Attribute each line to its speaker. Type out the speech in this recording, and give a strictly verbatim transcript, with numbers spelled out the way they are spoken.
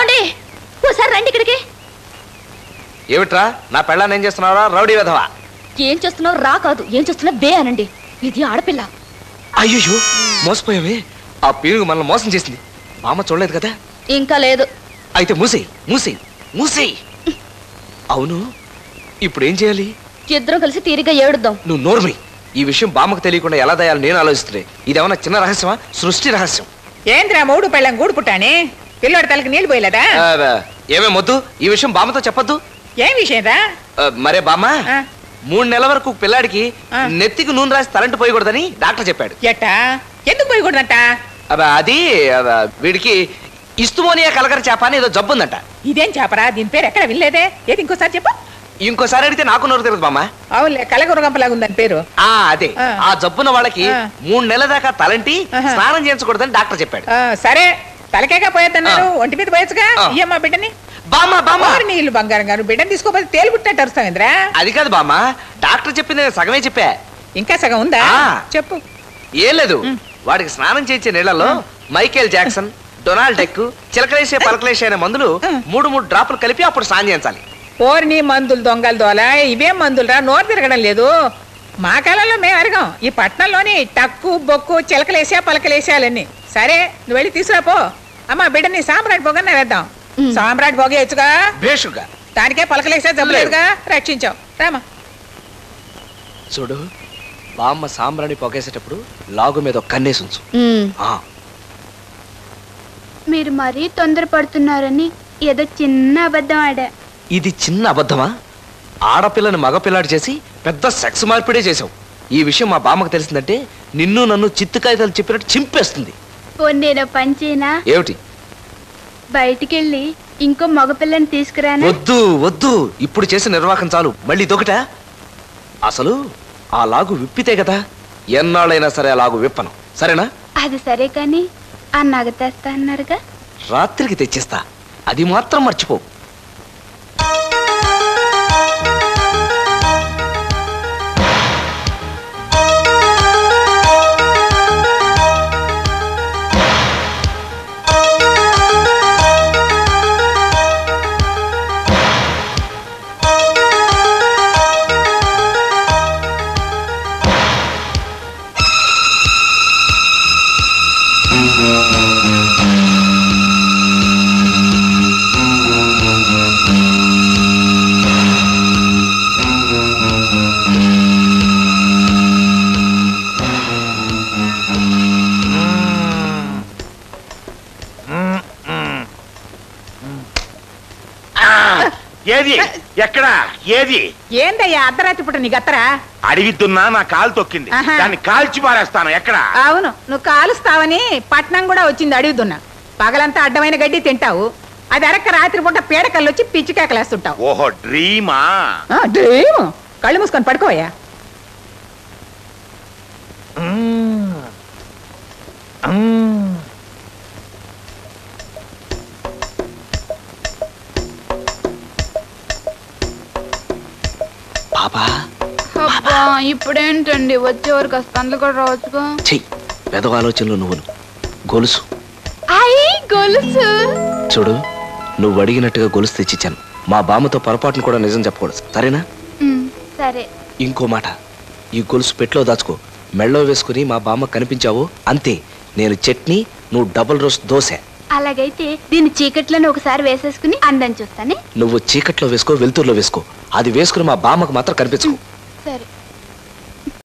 Speaker 1: ఏమండి ఓసారి రండి ఇక్కడికి.
Speaker 2: ఏమిట్రా నా పెళ్ళాన్ని ఏం చేస్తున్నారా రౌడీ విధవా?
Speaker 1: ఏం చేస్తున్నావు రా కాదు, ఏం చేస్తున్నా బే అనండి. ఇది ఆడపిల్ల.
Speaker 2: అయ్యో మోసపోయావే. ఆ పీరుగు మనల్ని మోసం చేసింది. మామ చూడలేదు కదా?
Speaker 1: ఇంకా లేదు.
Speaker 2: అయితే మూసేయి మూసేయి మూసేయి. అవును ఇప్పుడు ఏం చేయాలి?
Speaker 1: ఇద్దరం కలిసి తీరిగా ఏడుద్దాం.
Speaker 2: నువ్వు నోర్మి. ఈ విషయం బామ్మకు తెలియకుండా ఎలా దయాలి నేను ఆలోచిస్తున్నాయి. ఇదేమన్నా చిన్న రహస్యమా? సృష్టి రహస్యం.
Speaker 3: ఏంద్రా మూడు పెళ్ళం గూడు పుట్టానే పిల్లోడి తలకి నీళ్ళు పోయలేదా?
Speaker 2: ఏమే మొద్దు ఈ విషయం బామ్మతో చెప్పొద్దు.
Speaker 3: ఏం విషయం రా?
Speaker 2: మరే బామ్మ మూడు నెలల వరకు పిల్లాడికి నెత్తికి నూనె రాసి తలంటి పోయకూడదని డాక్టర్ చెప్పాడు.
Speaker 3: ఎట్టా ఎందుకు పోయకూడదంట?
Speaker 2: అది వీడికి ఇస్తుమోనియా కలకర చేప అని ఏదో జబ్బు ఉందంట.
Speaker 3: ఇదేం చేపరా? దీని పేరు ఎక్కడ వినలేదే. ఏది ఇంకోసారి చెప్పు.
Speaker 2: ఇంకోసారి అడిగితే నాకు నోరు తిరగదు బామ్మ.
Speaker 3: అవునులే కలగురగంపలాగా ఉందని పేరు.
Speaker 2: ఆ అదే ఆ జబ్బున వాళ్ళకి మూడు నెలల దాకా తలంటి స్నానం చేయించకూడదని డాక్టర్ చెప్పాడు.
Speaker 3: సరే తలకేగా పోయేద్దన్నారు, ఒంటి మీద పోయచ్చుగా. ఇయ్యమ్మా బిడ్డని.
Speaker 2: బామ్మ బామ్మ
Speaker 3: నీళ్ళు బంగారం గారు బిడ్డని తీసుకోపోతే తేలు పుట్టినట్టు అరుస్తావేంద్రా?
Speaker 2: అది కాదు బామ్మ, డాక్టర్ చెప్పింది సగమే చెప్పా.
Speaker 3: ఇంకా సగం ఉందా? చెప్పు.
Speaker 2: ఏం లేదు, వాడికి స్నానం చేయించే నీళ్లలో మైకేల్ జాక్సన్, డొనాల్డ్ డెక్, చిలకలేసే పలకలేసే అనే మందులు మూడు మూడు డ్రాపులు కలిపి అప్పుడు స్నానం చేయించాలి.
Speaker 3: ఓర్ని మందులు దొంగలు దోల ఇవేం మందులురా? నోరు తిరగడం లేదు. మా కాలంలో మేము అరగం. ఈ పట్నంలోని టక్కు బొక్కు చిలకలేసా పలకలేసాలన్నీ. సరే నువ్వు వెళ్ళి తీసుకురాపో. అమ్మా బిడ్డని సాంబ్రాట్ పొగ వేద్దాం. సాంబ్రాట్ పొగేయచ్చుగా.
Speaker 2: బేషుగా
Speaker 3: దానికే పలకలేసా జబ్బులేదుగా. రక్షించావు రామా.
Speaker 2: చూడు బామ్మ సాంబ్రాణి పొగేసేటప్పుడు లాగు మీద ఒక కన్నేసి ఉంచు.
Speaker 4: మీరు మరీ తొందరపడుతున్నారని ఏదో చిన్న అబద్ధం ఆడా.
Speaker 2: ఇది చిన్న అబద్ధమా? ఆడపిల్లని మగపిల్లాడు చేసి పెద్ద సెక్స్ మార్పిడే చేసావు. ఈ విషయం మా బామ్మకు తెలిసిందంటే నిన్ను నన్ను చిత్తుకాయతలు చెప్పినట్టు చింపేస్తుంది.
Speaker 4: నేను పంచేనా?
Speaker 2: ఏమిటి?
Speaker 4: బయటికెళ్ళి ఇంకో మగపిల్లని తీసుకురాను.
Speaker 2: వద్దు వద్దు, ఇప్పుడు చేసిన నిర్వాహకం చాలు. మళ్ళీ దొకట. అసలు ఆ లాగు విప్పితే కదా ఎన్నాళ్ళైనా సరే ఆ లాగు విప్పను. సరేనా?
Speaker 4: అది సరే కానీ ఆ నగ తెస్తా అన్నారుగా.
Speaker 2: రాత్రికి తెచ్చిస్తా, అది మాత్రం మర్చిపో.
Speaker 5: ఏది ఎక్కడ ఏది?
Speaker 3: ఏందయ్యా అర్ధరాత్రి పుట్ట నీ గత్తరా?
Speaker 5: అడిగితున్నా నా కాలు తొక్కింది, దాన్ని కాల్చి పారేస్తాను. ఎక్కడ?
Speaker 3: అవును నువ్వు కాలుస్తావని పట్నం కూడా వచ్చింది అడుగుతున్నా. పగలంతా అడ్డమైన గడ్డి తింటావు, అది అరక్క రాత్రి పూట పీడకల్లు వచ్చి పిచ్చికేకలేస్తుంటావు.
Speaker 5: ఓహో డ్రీమా?
Speaker 3: డ్రీమ్. కళ్ళు మూసుకొని పడుకోవయ్యా.
Speaker 4: ఇప్పుడేంటండి వచ్చేవారు కాస్త అందులో కూడా రావచ్చుగా.
Speaker 2: చెయ్యి పెదవ ఆలోచనలు నువ్వు. గొలుసు
Speaker 4: గొలుసు
Speaker 2: చూడు, నువ్వు అడిగినట్టుగా గొలుసు తెచ్చిచ్చాను. మా బామ్మతో పొరపాటును కూడా నిజం చెప్పకూడదు, సరేనా?
Speaker 4: సరే.
Speaker 2: ఇంకో మాట, ఈ గొలుసు పెట్లో దాచుకో. మెళ్ళో వేసుకుని మా బామ్మ కనిపించావు అంతే, నేను చట్నీ, నువ్వు డబుల్ రోస్ట్ దోశ.
Speaker 4: అలాగైతే దీన్ని చీకట్లోనే ఒకసారి వేసేసుకుని అందం చూస్తానే.
Speaker 2: నువ్వు చీకట్లో వేసుకో, వెలుతురులో వేసుకో. అది వేసుకుని మా బామ్మకు మాత్రం కనిపించు.
Speaker 4: సరే.